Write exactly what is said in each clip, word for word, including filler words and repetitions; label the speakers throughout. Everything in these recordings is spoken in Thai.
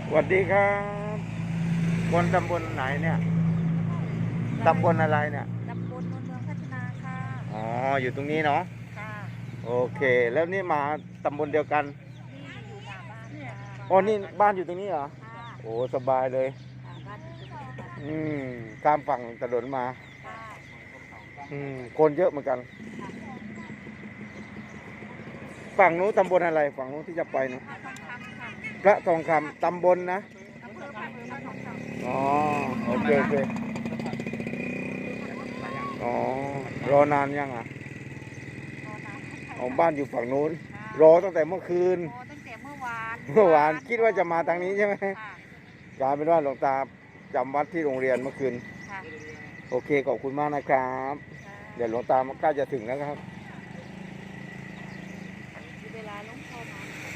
Speaker 1: สวัสดีครับคนตำบลไหนเนี่ยตำบลอะไรเนี่ย
Speaker 2: ตำบลโนนเมืองพัฒนาค่ะ
Speaker 1: อ๋ออยู่ตรงนี้เนาะ
Speaker 2: ค่ะ
Speaker 1: โอเคแล้วนี่มาตำบลเดียวกัน
Speaker 2: นี่อยู่หน้าบ้านค่ะ
Speaker 1: อ๋อนี่บ้านอยู่ตรงนี้เหรอ
Speaker 2: ค่ะ
Speaker 1: โอ้สบายเลย
Speaker 2: ค่ะบ้านอยู่ตรงนี้ค่ะ
Speaker 1: อืมข้ามฝั่งถนนมา
Speaker 2: ค่ะ
Speaker 1: อืมคนเยอะเหมือนกันฝั่งนู้นตำบลอะไรฝั่งนู้นที่จะไปเนาะ
Speaker 2: พระทองคำค่ะ
Speaker 1: พระทองคำตำบลนะ
Speaker 2: อำเภอพระทองคำ
Speaker 1: อ๋อโอเคโอเคอ๋อรอนานยังอ่ะของบ้านอยู่ฝั่งนู้นรอตั้งแต่เมื่อคืน
Speaker 2: โอ้ตั้งแต่เมื่อวาน
Speaker 1: เมื่อวานคิดว่าจะมาทางนี้ใช่ไหม
Speaker 2: ค่ะ
Speaker 1: กลายเป็นว่าหลวงตาจำวัดที่โรงเรียนเมื่อคืน
Speaker 2: ค่ะ
Speaker 1: โอเคขอบคุณมากนะครับเดี๋ยวหลวงตาใกล้จะถึงแล้วครับ
Speaker 2: เวลาล้มคอมา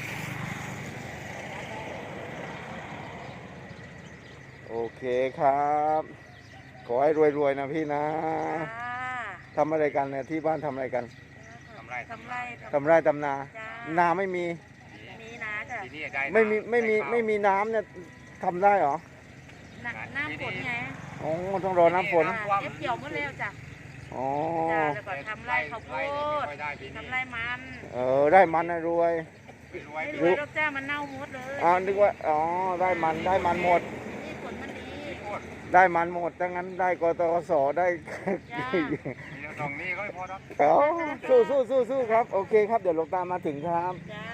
Speaker 1: โอเคครับขอให้รวยๆนะพี่นะ
Speaker 2: ค่ะ
Speaker 1: ทำอะไรกันเนี่ยที่บ้านทำอะไรกัน
Speaker 2: ทำไรทำไร
Speaker 1: ทำไร่ทำนา
Speaker 2: จ้า
Speaker 1: นาไม่มี
Speaker 2: มีนะจ้ะ
Speaker 3: ทีนี้ได้
Speaker 1: ไม่มีไม่มีไม่มีน้ำเนี่ยทำได้เหรอ
Speaker 2: น้ำน้ำฝนไง
Speaker 1: อ๋อต้องรอน้ำฝน
Speaker 2: จ้ะเอฟเกี่ยวหมดแล้วจ้ะ
Speaker 1: อ๋อ
Speaker 2: จ้ะแล้วก็ทำไรข้าวโพดทำไรมัน
Speaker 1: เออได้มันนะรวย
Speaker 3: ไม่รวย
Speaker 2: ไม่รวยหรอกจ้ามันเน่าหมดเลย
Speaker 1: อ๋อนึกว่าอ๋อได้มันได้มันหมด
Speaker 2: นี่ผลมันดี
Speaker 1: ได้มันหมดถ้างั้นได้กตสได้
Speaker 2: จ้า
Speaker 3: ตรงนี้ก็ไม่พอครับ
Speaker 1: เอาสู้สู้สู้สู้ครับโอเคครับเดี๋ยวหลวงตามาถึงครับ
Speaker 2: จ้า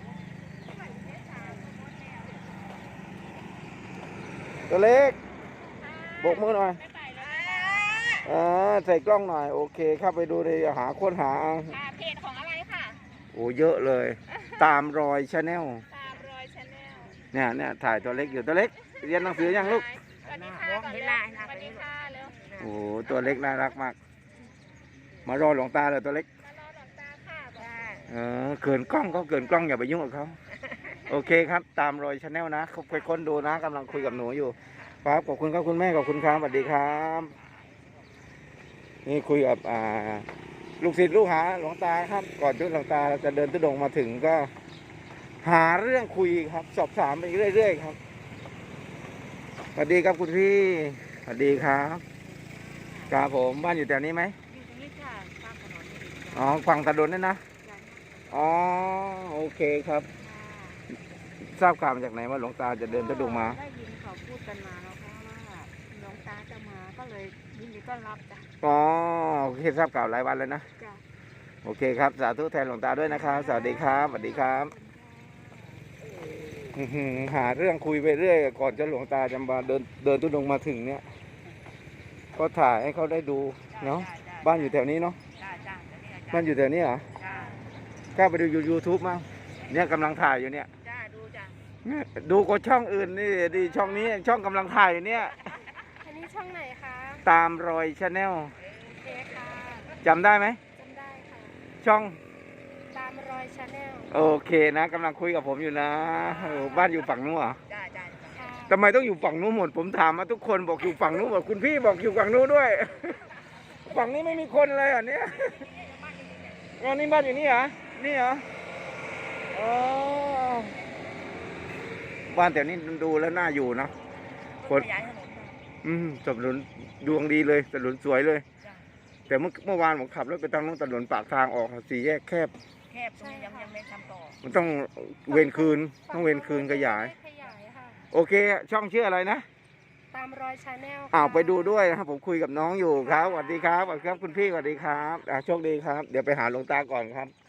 Speaker 1: ตัวเล็กโบกมือหน่อยเออใส่กล้องหน่อยโอเคครับไปดูเลยหาค้นหาเอา
Speaker 2: ค่ะเพจของอะไรค่ะ
Speaker 1: โอ้เยอะเลย ตามรอยชาแนล
Speaker 2: ตามรอยชาแนล
Speaker 1: เนี่ยเนี่ยถ่ายตัวเล็กอยู่ตัวเล็กเรียนหนังสือยังลูก
Speaker 2: สวัสดีค่ะก่อนเวลาสวัสดีค่ะเร็ว
Speaker 1: โอ้ตัวเล็กน่ารักมาก มารอหลวงตาเลยตัวเล็ก
Speaker 2: มารอหลวงตาค่ะจ้า
Speaker 1: เออเกินกล้องเขาเกินกล้องอย่าไปยุ่งกับเขาโอเคครับตามรอยชาแนลนะเขาไปค้นดูนะกำลังคุยกับหนูอยู่ครับขอบคุณครับคุณแม่ขอบคุณครับสวัสดีครับนี่คุยกับอ่าลูกศิษย์ลูกหาหลวงตาครับ ก่อนที่หลวงตาจะเดินตุดงค์มาถึงก็ หาเรื่องคุยครับ สอบถามไปเรื่อยๆครับสวัสดีครับคุณพี่สวัสดีครับครับผมบ้านอยู่แถวนี้ไหม
Speaker 2: อยู่ตรงนี้ค่ะข้ามถนนนี่
Speaker 1: อ๋อฝั่งถนนนี่นะ
Speaker 2: จ้า
Speaker 1: อ๋อโอเคครับทราบข่าวมาจากไหนว่าหลวงตาจะเดินตุดงค์มา
Speaker 2: ได้ยินเขาพูดกันมาแล้วค่ะว่าหลวงตาจะมาก็เลยยินดีต้อนรับจ้ะ
Speaker 1: อ๋อโอเคทราบข่าวหลายวันแล้วนะ
Speaker 2: จ้ะ
Speaker 1: โอเคครับสาธุแทนหลวงตาด้วยนะครับสวัสดีครับสวัสดีครับอื้อหือหาเรื่องคุยไปเรื่อยก่อนจะหลวงตาจะมาเดินเดินตุดงค์มาถึงเนี่ยก็ถ่ายให้เขาได้ดูเนาะบ้านอยู่แถวนี้เนาะ
Speaker 2: จ้าจ้าจ้าจ้า
Speaker 1: บ้านอยู่แถวนี้เหรอ
Speaker 2: จ้าก
Speaker 1: ล้าไปดูยูทูบมั้งเนี่ยกำลังถ่ายอยู่เนี่ย
Speaker 2: จ้าดูจ้า
Speaker 1: ดูกว่าช่องอื่นนี่ดีช่องนี้ช่องกำลังถ่ายอยู่เนี่ย
Speaker 2: อันนี้ช่องไหนคะ
Speaker 1: ตามรอยชาแนล
Speaker 2: โอเคค่ะ
Speaker 1: จำได้ไหม
Speaker 2: จำได้ค่ะ
Speaker 1: ช่อง
Speaker 2: ตามรอยชาแนล
Speaker 1: โอเคนะกำลังคุยกับผมอยู่นะโอ้บ้านอยู่ฝั่งนู้นเหรอ
Speaker 2: จ้าจ้าค่ะ
Speaker 1: ทำไมต้องอยู่ฝั่งนู้นหมดผมถามมาทุกคนบอกอยู่ฝั่งนู้นหมดคุณพี่บอกอยู่ฝั่งนู้นด้วย ฝั่งนี้ไม่มีคนเลยอ่ะเนี่ยอ๋อนี่บ้านอยู่นี่เหรอนี่เหรออ๋อบ้านแถวนี้ดูแล้วน่าอยู่นะคน
Speaker 2: ขยายถนน
Speaker 1: อืมถนนดวงดีเลยถนนสวยเลย
Speaker 2: จ้า
Speaker 1: แต่เมื่อเมื่อวานผมขับรถไปทางนู้นถนนปากทางออกสี่แยกแคบ
Speaker 2: แคบตรงนี้ยังยังไม่ทำต่อ
Speaker 1: มันต้องเวรคืนต้องเวรคืนขยาย
Speaker 2: ขยายค่ะ
Speaker 1: โอเค ช่องชื่ออะไรนะ
Speaker 2: ตามรอยชาแนล
Speaker 1: อ้าวไปดูด้วยนะครับผมคุยกับน้องอยู่ครับสวัสดีครับสวัสดีครับคุณพี่สวัสดีครับอ่าโชคดีครับ เดี๋ยวไปหาหลวงตาก่อนครับ